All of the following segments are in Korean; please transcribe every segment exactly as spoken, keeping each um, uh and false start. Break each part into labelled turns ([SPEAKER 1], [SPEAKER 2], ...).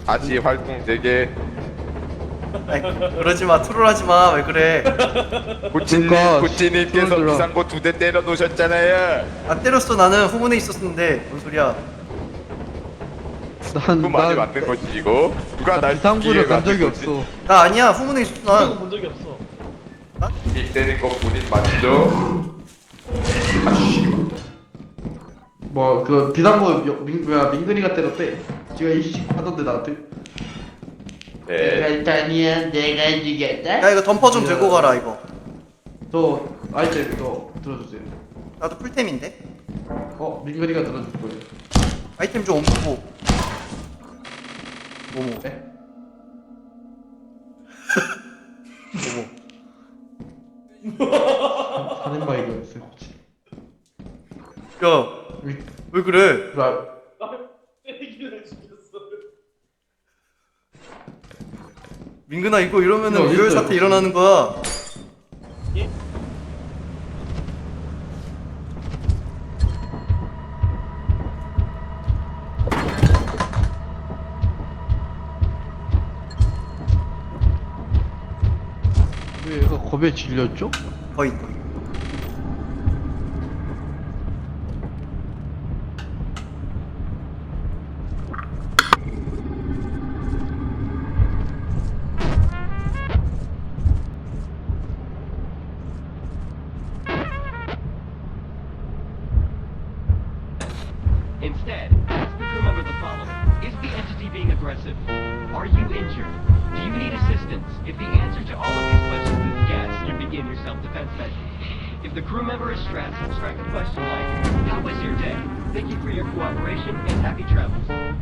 [SPEAKER 1] 다시 활동 재개.
[SPEAKER 2] 아이, 그러지마, 트롤하지마. 왜 그래?
[SPEAKER 1] 구찌님,
[SPEAKER 3] 그러니까
[SPEAKER 1] 구찌님께서
[SPEAKER 3] 손들어.
[SPEAKER 1] 비상구 두 대 때려 놓으셨잖아요.
[SPEAKER 2] 안 때렸어. 나는 후문에 있었는데. 뭔 소리야?
[SPEAKER 3] 난,
[SPEAKER 1] 그 말이
[SPEAKER 3] 난,
[SPEAKER 1] 맞는 거지 이거? 누가 날
[SPEAKER 3] 비상구를
[SPEAKER 1] 죽이게
[SPEAKER 3] 간 적이
[SPEAKER 1] 만든 거지?
[SPEAKER 3] 없어.
[SPEAKER 2] 나 아니야. 후문에 있었어.
[SPEAKER 4] 그런
[SPEAKER 2] 난.
[SPEAKER 4] 본 적이 없어.
[SPEAKER 1] 일 때린 거 본인 맞죠? 아씨.
[SPEAKER 3] 뭐, 그, 비상구, 여- 민, 뭐야, 민근이가 때렸대. 지가 이식 하던데, 나한테.
[SPEAKER 1] 네.
[SPEAKER 5] 일단이야 내가 죽였다.
[SPEAKER 2] 야, 이거 덤퍼 좀 들고 가라, 이거.
[SPEAKER 3] 저, 아이템, 저, 들어주세요.
[SPEAKER 2] 나도 풀템인데?
[SPEAKER 3] 어, 민근이가 들어줄 거예요.
[SPEAKER 2] 아이템 좀 옮기고. 뭐뭐.
[SPEAKER 3] 네?
[SPEAKER 2] 뭐뭐.
[SPEAKER 3] 살인마이거였어요, 혹시.
[SPEAKER 2] 야,
[SPEAKER 3] 위,
[SPEAKER 2] 왜 그래?
[SPEAKER 3] 라,
[SPEAKER 4] 때리기를 죽였어.
[SPEAKER 2] 민근아, 이거 이러면은
[SPEAKER 3] 이거
[SPEAKER 2] 유혈
[SPEAKER 3] 어딨어요,
[SPEAKER 2] 사태
[SPEAKER 3] 혹시?
[SPEAKER 2] 일어나는 거야.
[SPEAKER 3] 왜 얘가 겁에 질렸죠?
[SPEAKER 2] 거의, 거의.
[SPEAKER 6] Instead, ask the crew member the following. Is the entity being aggressive? Are you injured? Do you need assistance? If the answer to all of these questions is yes, you begin your self-defense measure. If the crew member is stressed, strike a question like, how was your day? Thank you for your cooperation and happy travels.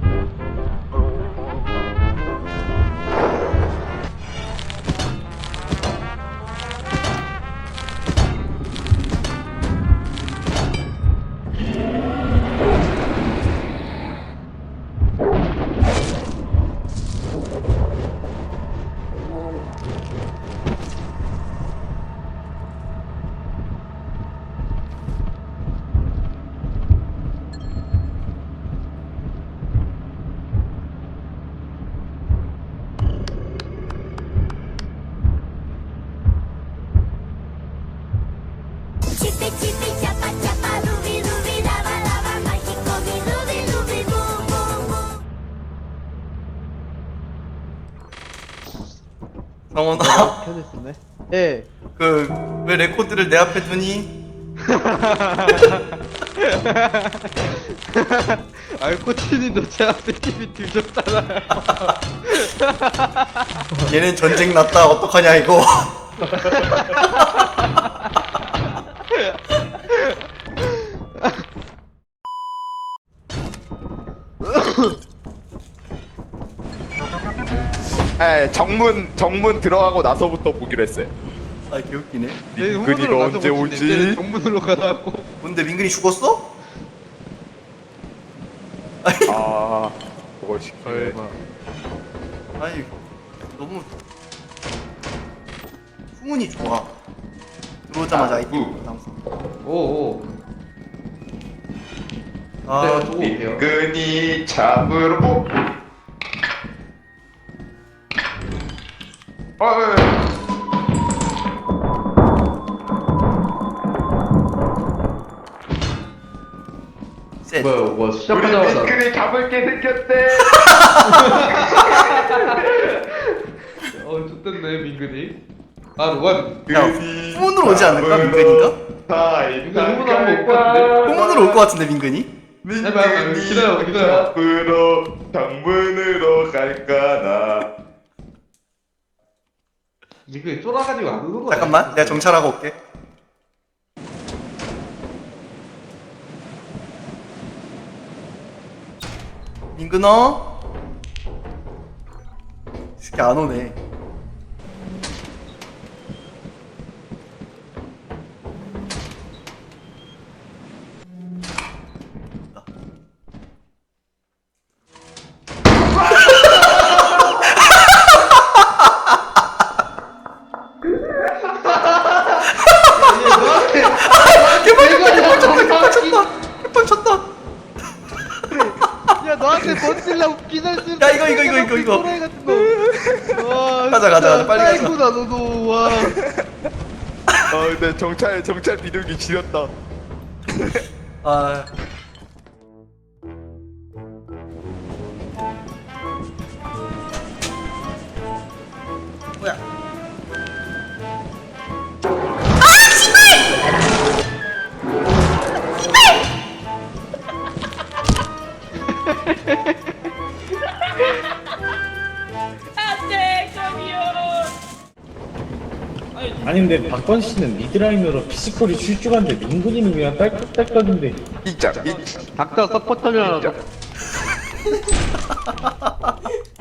[SPEAKER 7] Chipi chipi chapa chapa rubi rubi lava lava mágico mi rubi rubi boom boom boom.
[SPEAKER 2] 성원아,
[SPEAKER 3] 켜냈었네. 예.
[SPEAKER 2] 그, 왜 레코드를 내 앞에 두니?
[SPEAKER 3] 아이, 코치님도 제 앞에 티비 두셨잖아요.
[SPEAKER 2] 얘는 전쟁 났다. 어떡하냐, 이거.
[SPEAKER 1] 에 정문 정문 들어가고 나서부터 보기로 했어요.
[SPEAKER 2] 아, 개웃기네.
[SPEAKER 1] 민근이가 언제 오지?
[SPEAKER 3] 정문으로 가라고.
[SPEAKER 2] 뭔데, 민근이 죽었어? 아니,
[SPEAKER 1] 아 그걸 시키네.
[SPEAKER 3] 설마.
[SPEAKER 2] 아니, 너무. 후문이 좋아. 들어오자마자
[SPEAKER 1] 아,
[SPEAKER 2] 아이템
[SPEAKER 1] 후.
[SPEAKER 2] 당선.
[SPEAKER 3] 오오.
[SPEAKER 2] 아,
[SPEAKER 3] 내가 두고 올게요.
[SPEAKER 1] 민근이 잡으러 보. 어, 어, 어.
[SPEAKER 2] 셋.
[SPEAKER 3] 뭐야, 뭐
[SPEAKER 1] 우리
[SPEAKER 3] 시작하자마자.
[SPEAKER 1] 민근이 잡을 게 생겼대.
[SPEAKER 3] 어, 좋댔네 민근이. 아, 로건.
[SPEAKER 2] 야, 후문으로 오지 않을까, 민근이가?
[SPEAKER 3] 민근 후문 한번 올것 같은데?
[SPEAKER 2] 후문으로 올 것 같은데, 민근이?
[SPEAKER 3] 해봐, 해봐. 기다려, 기다려.
[SPEAKER 1] 잡으러 정문으로 갈까나.
[SPEAKER 3] 민근이 쫄아가지고 안 오는 거야.
[SPEAKER 2] 잠깐만, 내가 정찰하고 올게. 민근아? 이 새끼 안 오네.
[SPEAKER 3] 개발 쳤다, 개발 쳤다,
[SPEAKER 2] 개판 쳤다.
[SPEAKER 3] 야, 씨발 너한테 멋질라고 기절 쓰는
[SPEAKER 2] 야, 이거, 이거, 이거, 이거, 이거.
[SPEAKER 3] 또라이 같은 거. 와,
[SPEAKER 2] 가자, 가자, 가자, 빨리 가자.
[SPEAKER 3] 아이고다 너도 와.
[SPEAKER 1] 어 근데 정찰 정찰 비둘기 지렸다.
[SPEAKER 2] 아. 뭐야?
[SPEAKER 4] 안돼 저기요.
[SPEAKER 8] 아니 근데 박건 씨는 미드라인으로 피지컬이 출중한데 민군이는 그냥 딸깍딸깍인데
[SPEAKER 1] 진짜 이
[SPEAKER 3] 닥터 서포터잖아.
[SPEAKER 1] 진짜